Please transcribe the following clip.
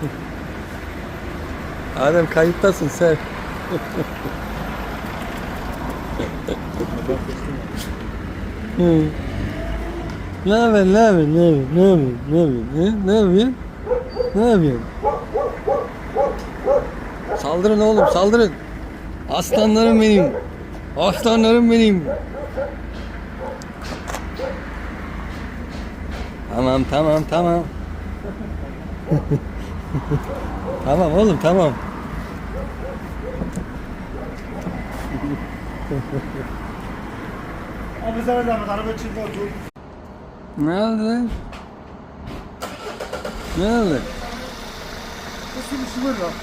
Adem kayıttasın sen. Hı. Ne haber, ne haber, ne haber, ne haber, ne haber, ne yapıyorsun? Ne yapıyorsun? Saldırın oğlum, saldırın. Aslanlarım benim. Aslanlarım benim. Tamam, tamam, tamam. Tamam oğlum, tamam. Abi sana zahmet araba içinde otur. Ne oldu? Ne oldu? Nasıl bir şey var lan?